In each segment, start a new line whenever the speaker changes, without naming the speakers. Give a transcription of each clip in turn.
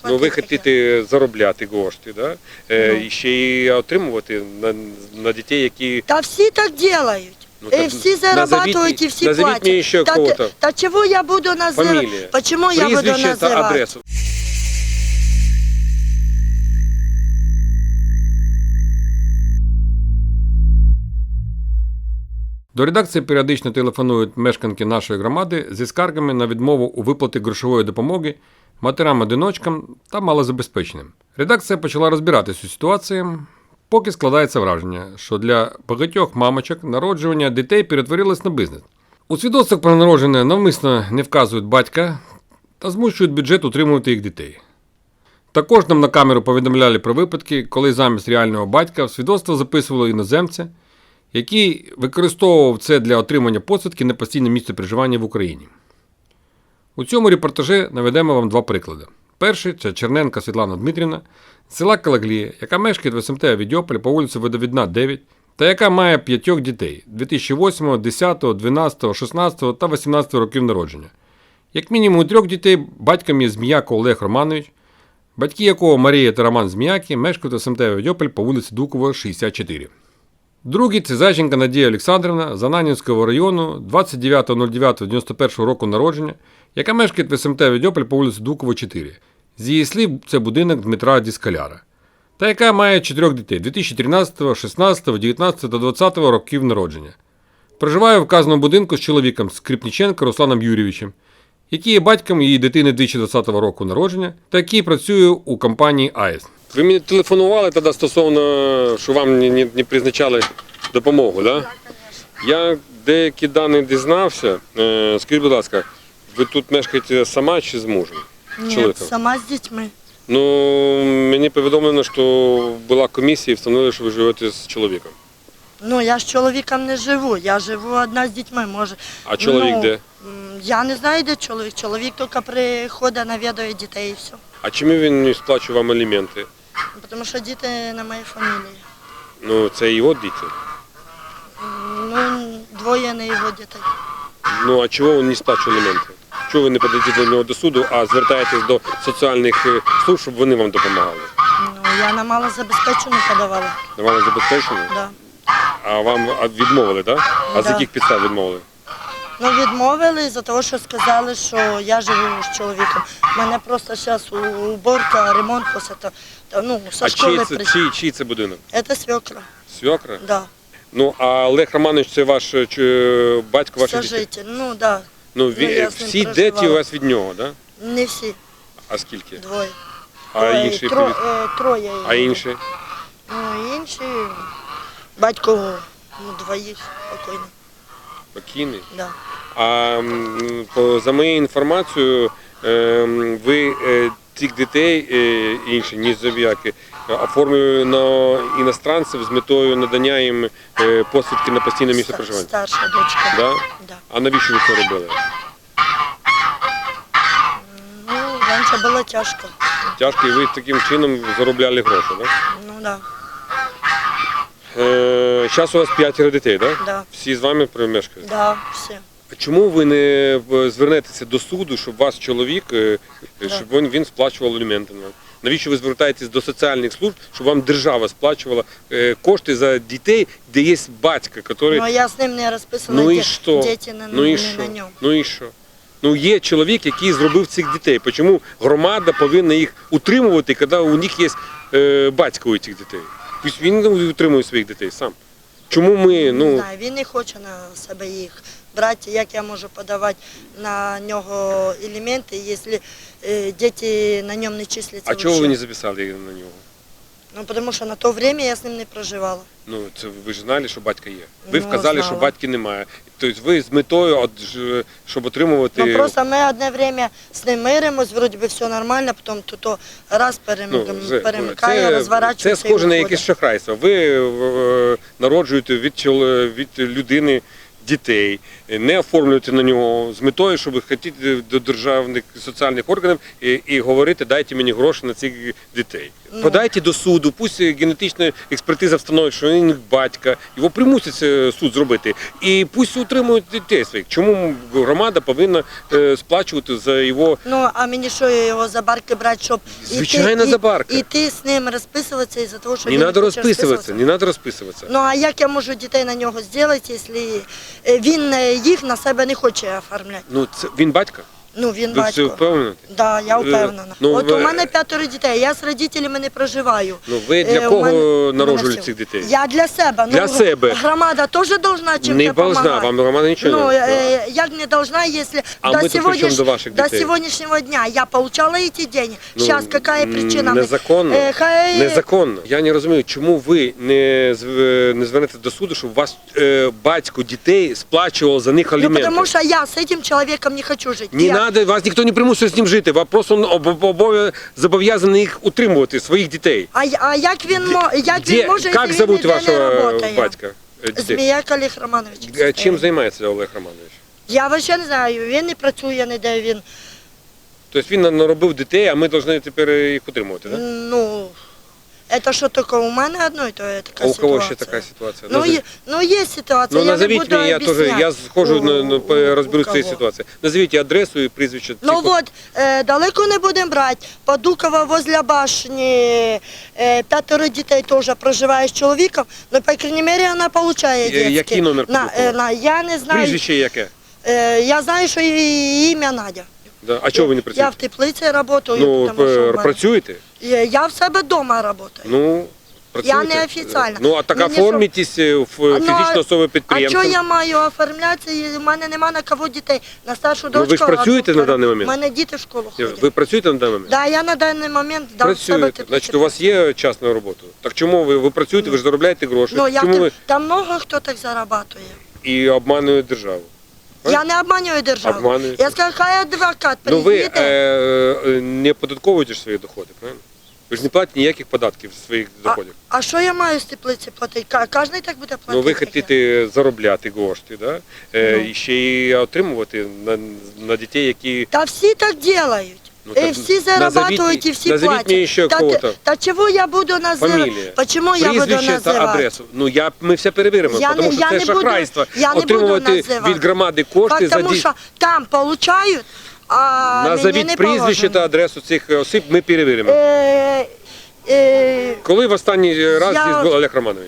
Ну, ви хочете заробляти кошти, да? І ще й отримувати на дітей, які...
Та всі так роблять.
так
Всі зарабатують і всі
назовіть мені ще
платять.
кого-то.
Та чого я буду називати?
Фамілія,
Чому я буду
прізвище та
називати?
адресу.
До редакції періодично телефонують мешканки нашої громади зі скаргами на відмову у виплаті грошової допомоги матерям-одиночкам та малозабезпеченим. Редакція почала розбиратись у ситуації, поки складається враження, що для багатьох мамочок народжування дітей перетворилось на бізнес. У свідоцтвах про народження навмисно не вказують батька та змушують бюджет утримувати їх дітей. Також нам на камеру повідомляли про випадки, коли замість реального батька в свідоцтво записували іноземця, який використовував це для отримання посвідки на постійне місце проживання в Україні. У цьому репортажі наведемо вам два приклади. Перший – це Черненка Світлана Дмитрівна з села Калаглія, яка мешкає в СМТ Авідіополі по вулиці Водовідна, 9, та яка має 5 дітей – 2008, 10, 12, 16 та 18 років народження. Як мінімум у 3 дітей батьком є Зміяко Олег Романович, батьки якого Марія та Роман Зміяки мешкають в СМТ Авідіополь по вулиці Дукова, 64. Другий – це Зайченка Надія Олександрівна з Ананівського району 29.09.91 року народження, яка мешкає в СМТ Авідіополь по вулиці Дукова, 4. З її слів, це будинок Дмитра Діскаляра. Та яка має 4 дітей – 2013, 16, 19 та 20 років народження. Проживає в вказаному будинку з чоловіком Скрипніченко Русланом Юрійовичем, який є батьком її дитини 2020 року народження та який працює у компанії АЕС.
Ви мені телефонували тоді стосовно, що вам не призначали допомогу, так? Да? Я деякі дані дізнався. Скажіть, будь ласка, ви тут мешкаєте сама чи з мужем?
Ні, сама з дітьми.
Ну, мені повідомлено, що була комісія і встановили, що ви живете з чоловіком.
Ну, я з чоловіком не живу, я живу одна з дітьми, може.
А чоловік де?
Я не знаю, де чоловік. Чоловік тільки приходить, навідує дітей і все.
А чому він не сплачує вам аліменти?
Тому що діти на моїй фамілії.
Ну, це його діти?
Ну, 2 не його дітей.
Ну, а чого він не сплачує аліменти? Чого ви не подаєте до нього до суду, а звертаєтесь до соціальних служб, щоб вони вам допомагали?
Ну, я на малозабезпечену подавала.
На малозабезпечену?
Да.
А вам відмовили, так? А з
Да.
яких підстав відмовили?
Ну, відмовили за того, що сказали, що я живу з чоловіком. У мене просто зараз уборка, ремонт після того. Ну, со школи
чий це будинок?
Це свекра.
Свекра?
Да.
Ну, а Олег Романович це ваш батько ваших дітей?
Сожитель, ну, да.
Ну, всі діти у вас від нього, так? Да?
Не всі.
А скільки?
2.
А інші?
Троє.
А інші?
Ну, інші, батько, 2 спокійно.
Покійний?
Да.
А за моєю інформацією, ви цих дітей, інші, ніж Зоб'яки, оформили на іностранців з метою надання їм посвідки на постійне місце проживання?
Старша дочка.
Да?
Да.
А навіщо ви це робили?
Ну, раніше було тяжко.
Тяжко, і ви таким чином заробляли гроші, так? Да?
Ну, да.
Зараз у вас 5 дітей, так?
Да.
Всі з вами мешкають?
Да, всі.
А чому ви не звернетеся до суду, щоб ваш чоловік, щоб він сплачував аліменти? Навіщо ви звертаєтесь до соціальних служб, щоб вам держава сплачувала кошти за дітей, де є батько, який...
Ну, я з ним не розписана,
Ну і що?
діти на ньому.
Ну і що? Ну є чоловік, який зробив цих дітей. Чому громада повинна їх утримувати, коли у них є батько у цих дітей? Пусть він утримує своїх дітей сам. Чому ми,
Не знаю, він не хоче на себе їх брати. Як я можу подавати на нього елементи, якщо діти на ньому не числяться?
А чого ви не записали на нього?
Ну, тому що на то время я з ним не проживала.
Ну, це ви ж знали, що батька є. Ви
Ну,
вказали,
знала.
що батьки немає. Тобто ви з метою, щоб отримувати...
Ну, просто ми одне время з ним миримось, вроді би все нормально, потім то раз перемикає, розворачується.
Це схоже на якесь шахрайство. Ви народжуєте від людини дітей, не оформлювати на нього з метою, щоб хотіти до державних соціальних органів і говорити, дайте мені гроші на цих дітей. Подайте до суду, пусть генетична експертиза встановить, що він батька, його примусить суд зробити. І пусть утримують дітей своїх. Чому громада повинна сплачувати за його...
Ну, а мені що, його за барки брати, щоб
Звичайно, за барки.
І ти з ним розписуватися із-за того, що
Не
він
треба
хоче
розписуватися, не треба розписуватися.
Ну, а як я можу дітей на нього зробити, якщо він їх на себе не хоче оформляти?
Ну, це він батько?
Ну, він
Ви все
батько.
впевнені?
Да, я впевнена.
Ну,
От
ви-
у мене 5 дітей, я з родителями не проживаю.
Ну, ви для
У
кого
мене
народжували
всього.
цих дітей?
Я для себе.
Для себе.
Громада теж должна чим-то
Не должна,
допомагати.
вам громада нічого
Ну,
не должна.
як не должна, если
А мы тут при чем до ваших
до
детей?
сегодняшнего дня я получала эти деньги.
Ну,
Сейчас какая причина?
Незаконно.
Хай...
Незаконно. Я не розумію, чому ви не звернете до суду, щоб вас батько дітей сплачував за них
Ну,
аліменти.
потому что я с этим человеком не хочу жить.
Не треба, вас ніхто не примусує з ним жити, ви просто зобов'язані їх утримувати, своїх дітей.
А як він, як він може,
Як
якщо він
зовуть
ніде не
вашого
работає?
батька? Дітей?
Зміяк Олег Романович.
Чим займається Олег Романович?
Я взагалі не знаю, він не працює ніде, він,
Тобто він наробив дітей, а ми повинні тепер їх утримувати, так?
ну, это що тільки у мене одної, то є така
А у
ситуація.
кого ще така ситуація?
Ну, є ситуація,
Ну,
я не
назовіть
буду
мені, я
об'ясняти.
схожу,
У
розберусь в цій
кого.
ситуації. Назвіть адресу і прізвище.
Ну
цих-
вот, далеко не будемо брати. Подукова возле башні, 5 дітей теж проживає з чоловіком, але, по крайней мере, вона отримує дітки.
Який номер Подукова?
Я не знаю,
Прізвище яке?
я знаю, що її ім'я Надя.
Да. А чого ви не
Я
працюєте?
в теплиці працюю,
Ну,
тому що в мене-
працюєте?
Я в себе вдома працюю.
Ну, працюєте.
неофіційно.
Ну, а так
Мені
оформітесь в фізичну особу
А
підприємства.
що я маю оформлятися? У мене нема на кого дітей. На старшу
Ну, ви
дочку.
ж працюєте
а
на даний момент?
У мене діти в школу ходять.
Ви працюєте на даний момент?
Да, я на даний момент дам в себе
Працюєте.
теплиці.
Значить, у вас є час на роботу. Так чому ви працюєте, ви ж заробляєте гроші?
Ну,
Чому ви
там много хто так зарабатує.
і обманюєте державу?
Я не обманюю державу.
Обманюєте.
Я скажу, хай адвокат
Ну, ви
приїде.
не оподатковуєте ж свої доходи, правильно? Ви ж не платите ніяких податків з своїх доходів.
А що я маю з теплиці платити? Кожен так буде платити.
Ну, ви
як я.
хочете заробляти кошти, да?
Ну.
І ще й отримувати на дітей, які...
Та всі так роблять.
Ну, так
Всі зарабатують і всі
назовіть
платять.
мені ще кого-то.
Та чого я буду називати?
Фамілія.
Чому я буду
Прізвище та
називати?
адресу. Ну, ми все перевіримо,
Я
тому
не-
що
я
це
не буду-
шахрайство.
я не буду
Отримувати
називати.
від громади кошти за
Тому
дітей.
що там получають, а мені
Назовіть
не
прізвище
положено.
та адресу цих осіб, ми перевіримо. Коли в останній раз
я-
здесь був Олег Романович?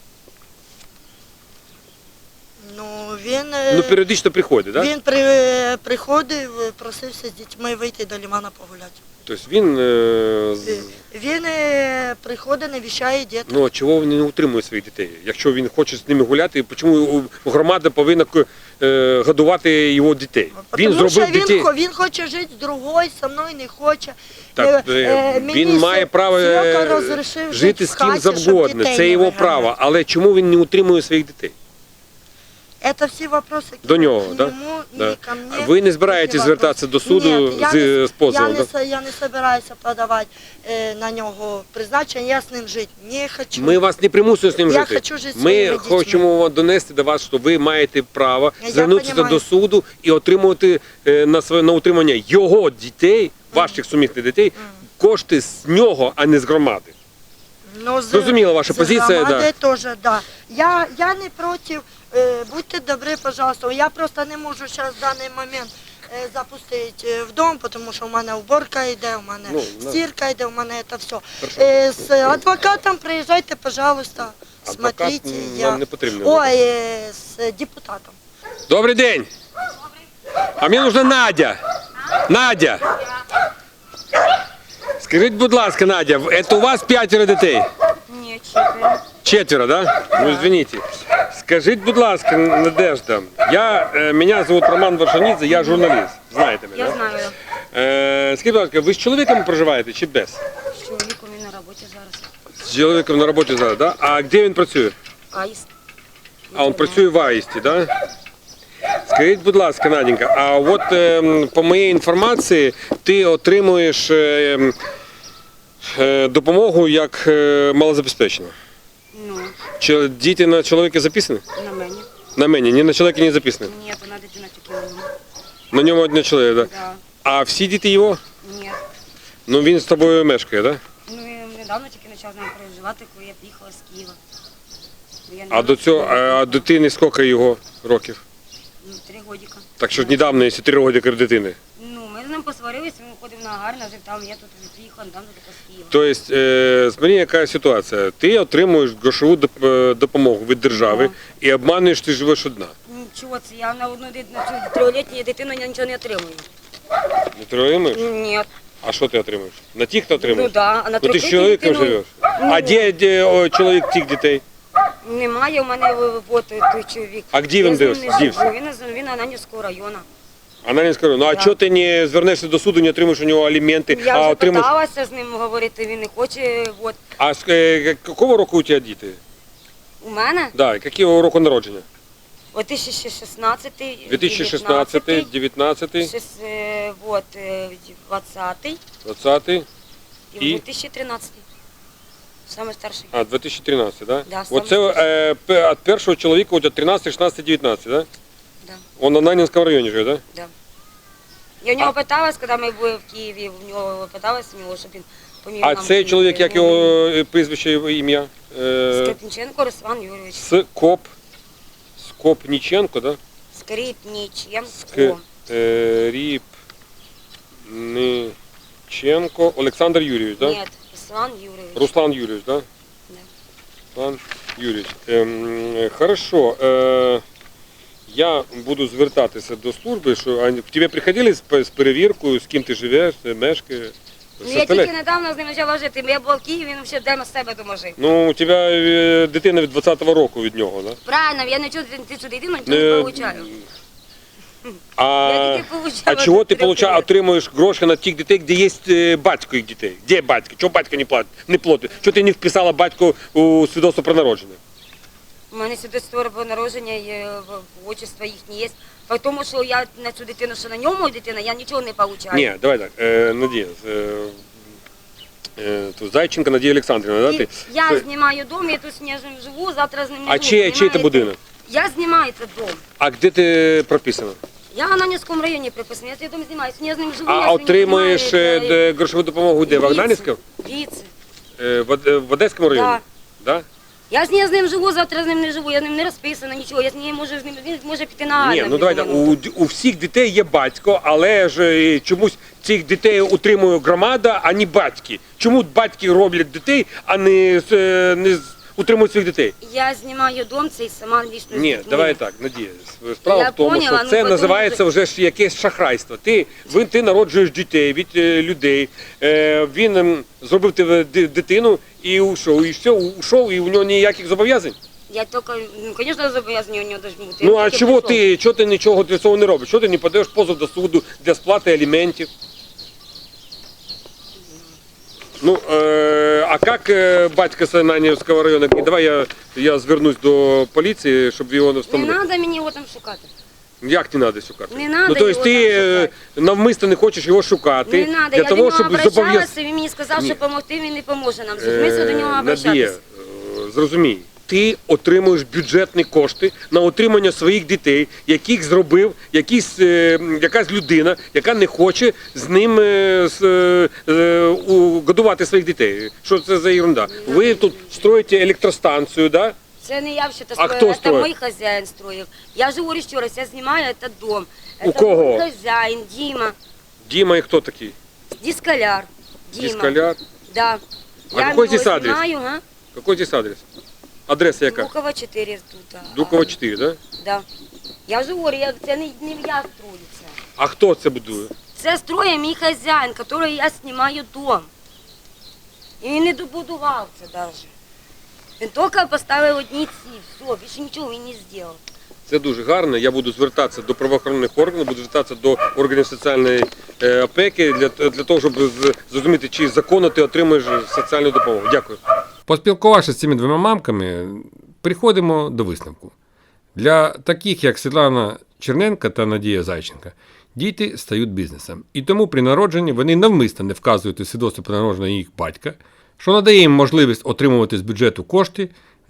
Ну, він,
Ну, періодично приходить, так? Да?
він приходив, просився з дітьми вийти до лимана погуляти.
Тобто він...
Він приходить, навіщає дітей.
Ну, а чого він не утримує своїх дітей? Якщо він хоче з ними гуляти, чому громада повинна годувати його дітей? Він
Тому що
зробив дітей.
він хоче жити з другою, зі мною не хоче.
Так,
Мені
він має право
Серега розрішив
жити
в
з ким
хаті, щоб
завгодно.
дітей
Це
не
його
виганяти.
право. Але чому він не утримує своїх дітей?
Це всі вопроси
До нього,
к
да?
нему,
Да.
не ко мне.
Ви не збираєтесь
Такі
звертатися
вопроси.
до суду
Ні,
з позовом? да?
Я не збираюся подавати на нього призначення, я з ним жити не хочу.
Ми вас не примусуємо з ним
Я
жити.
хочу жити зі
Ми
своїми дітьми.
хочемо донести до вас, що ви маєте право
Я
звернутися
понімаю.
до суду і отримувати на утримання його дітей, ваших сумісних дітей, кошти з нього, а не з громади.
Ну,
Зрозуміла ваша позиція,
да. Теж, да. Я не проти, будьте добрі, пожалуйста. Я просто не можу зараз в даний момент запустити в дом, тому що у мене уборка йде, у мене
Ну,
стирка йде, у мене це все. З адвокатом приїжджайте, пожалуйста,
Адвокат
смотрите.
нам не потрібен.
Ой, з депутатом.
Добрий день. А мені нужна Надя. Надя. Скажіть, будь ласка, Надя, це у вас 5 дітей?
Ні, 4.
4, да? Ну, извините. Скажіть, будь ласка, Надежда, мене звуть Роман Варшанідзе, я журналіст. Знаєте мене?
Я
да?
знаю.
Скажіть, будь ласка, ви з чоловіком проживаєте чи без?
З чоловіком він на роботі зараз.
З чоловіком на роботі зараз, да? А де він працює?
Аїст.
А він працює в Аїсті, да? Скажіть, будь ласка, Наденька, а от по моїй інформації ти отримуєш допомогу як малозабезпечена.
Ну,
Чи діти на чоловіка записані?
на мені.
На мені, ні на чоловіка не записано.
Нет, она дитина тільки у нього.
На ньому один чоловік, так? Да?
Да.
А всі діти його?
Нет.
Ну він з тобою мешкає, так? Да?
Ну, я недавно тільки почав з ним переживати, коли я приїхала з Києва. Ну, я
А
недавно
до цього,
приїхала.
а дитини скільки його років?
Ну, 3 годика.
Так що недавно, якщо 3 роки дитини.
Ну, ми з ним посварилися, він ходив на гарно, жив там, я тут приїхала, недавно тільки з Києва.
Тобто, смотри, яка ситуація. Ти отримуєш грошову допомогу від держави і обманюєш, ти живеш одна.
Нічого, це я на одну на цю 3-літню дитину я нічого не отримую.
Не отримуєш?
Ні.
А що ти отримуєш? На тих ти
Ну
отримуєш?
да, а на
Ну ти з
3-літню
чоловіком
дитину
живеш. А де чоловік тих дітей?
Немає у мене от той чоловік.
А де
Я
він
з ним не
дивився?
живу. Він Ананівського району.
Ананівська, ну а
Да.
чого ти не звернешся до суду, не отримуєш у нього аліменти,
Я
а
вже
отримуєш...
питалася з ним говорити, він не хоче. От.
А з якого року у тебе діти?
У мене
Да, якого року народження?
2016,
2016, 19,
20,
20
і
І?
2013. Саме старший.
а 2013, да?
Да,
Оце від першого чоловіка у тебе 13, 16, 19, да?
Да.
Он на Нанінському районі живе, да?
Да. Я у нього питалась, коли ми були в Києві, у нього питалась у нього, щоб він поміг
А
нам
цей
жити.
чоловік, як його прізвище, його ім'я?
Скрипниченко Руслан Юрійович.
Скопніченко, да?
Скрипниченко.
Ріпниченко Олександр Юрійович, да?
Ні, Руслан Юрійович.
Руслан Юрійович, да?
Да.
Руслан Юрійович. Хорошо. Я буду звертатися до служби, що к тебе приходили з перевіркою, з ким ти живеш, мешкаєш?
Ну, я тільки недавно з ним почала жити. Я була в Києві, він ще вдома з себе дома жив.
Ну, у тебе дитина від 20-го року від нього, да?
Правильно, я нічого цю дитину нічого не получаю.
А,
Я тільки получала
а чого ти
трьох
отримуєш гроші на тих дітей, де є батько їх дітей? Де батько? Чого батько не платить? Чого ти не вписала батько у свідоцтво про народження?
У мене свідоцтво про народження, отчество їхнє є. Тому що я на цю дитину, що на ньому дитина, я нічого не получаю.
Ні, давай так, Надія, тут Зайченко Надія Олександрівна, да?
І
Ти?
я знімаю дом, я тут з ним живу, завтра з ним не
А
живу.
чий це будинок?
Я знімаю цей дом.
А де ти прописана?
Я в Ананівському районі приписана, я цей дом знімаю. Я з ним живу,
А
я
отримуєш
знімаю,
грошову допомогу де? В Агнанівському?
Віце.
В Одеському районі?
Да.
Да?
Я з ним живу, завтра з ним не живу, я з ним не розписана, нічого, я з ним можу з ним, він може піти на
Ні,
армію.
ну давайте, у всіх дітей є батько, але ж чомусь цих дітей утримує громада, а не батьки. Чому батьки роблять дітей, а не утримують своїх дітей?
Я знімаю дом цей сама лічно.
Ні, давай так, Надія. Справа
Я
в тому,
поняла,
що
ну,
це
потім
називається вже ж якесь шахрайство. Ти народжуєш дітей від людей, він зробив тебе дитину і ушов, і все, ушов, і у нього ніяких зобов'язань.
Я тільки, ну, звісно, зобов'язані у нього должны бути.
Ну
Я
а
тільки
чого
прийшов.
ти нічого для цього не робиш? Чого ти не подаєш позов до суду для сплати аліментів? Ну, а як батько з Ананівського району? Давай я звернусь до поліції, щоб його не
Не
встановили.
треба мені його там шукати.
Як не треба шукати?
Не надо
ну, тобто
його
ти
там шукати.
навмисто не хочеш його шукати
Не треба,
для
я до
того,
нього
щоб
обращалася, він мені сказав,
Ні.
що допомогти, він не поможе нам. Смисл до нього
Надія,
обращатися.
зрозумій, ти отримуєш бюджетні кошти на утримання своїх дітей, яких зробив якась людина, яка не хоче з ним годувати своїх дітей. Що це за ерунда? Ви тут строїте електростанцію, да?
Це не я все
А
строїв,
хто
це
строїв?
мій хазяїн строїв. Я живу ще раз, я знімаю цей дом.
У
Це
кого?
мій хазяїн, Діма,
Діма і хто такий?
дискаляр. Діма.
Дискаляр?
Да.
А
Я
какой
його
здесь адрес?
знаю, га?
Який здесь адрес? Адреса яка?
Дукова 4 тут.
Дукова 4, да?
Да. Я ж говорю, це не я строю це.
А хто це будує?
Це строє мій хазяїн, який я знімаю дом. І він не добудував це навіть. Він тільки поставив одні ці, все, більше нічого він не зробив.
Це дуже гарно. Я буду звертатися до правоохоронних органів, буду звертатися до органів соціальної опеки для того, щоб зрозуміти, чи законно ти отримуєш соціальну допомогу. Дякую.
Поспілкувавшись з цими двома мамками, приходимо до висновку. Для таких, як Світлана Черненко та Надія Зайченка, діти стають бізнесом. І тому при народженні вони навмисно не вказують у свідоцтво про народження їх батька, що надає їм можливість отримувати з бюджету кошти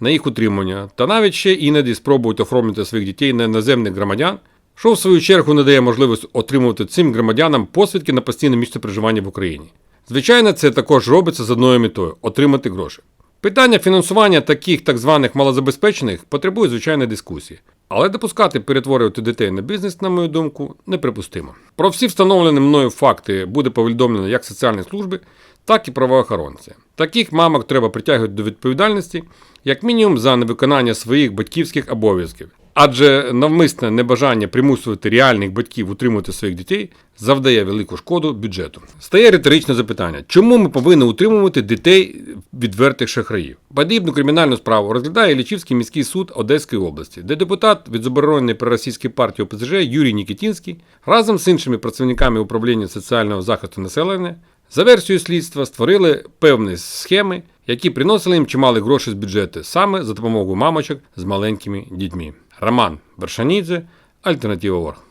на їх утримання та навіть ще іноді спробують оформити своїх дітей на іноземних громадян, що в свою чергу не дає можливість отримувати цим громадянам посвідки на постійне місце проживання в Україні. Звичайно, це також робиться з одною метою – отримати гроші. Питання фінансування таких так званих малозабезпечених потребує звичайної дискусії. Але допускати перетворювати дітей на бізнес, на мою думку, неприпустимо. Про всі встановлені мною факти буде повідомлено як соціальні служби, так і правоохоронці. Таких мамок треба притягувати до відповідальності, як мінімум за невиконання своїх батьківських обов'язків. Адже навмисне небажання примусувати реальних батьків утримувати своїх дітей завдає велику шкоду бюджету. Стає риторичне запитання, чому ми повинні утримувати дітей відвертих шахраїв? Подібну кримінальну справу розглядає Іллічівський міський суд Одеської області, де депутат від забороненої проросійської партії ОПЗЖ Юрій Нікітінський разом з іншими працівниками управління соціального захисту населення за версією слідства створили певні схеми, які приносили їм чималі гроші з бюджету саме за допомогою мамочок з маленькими дітьми. Роман Вершанідзе, Альтернатива.орг.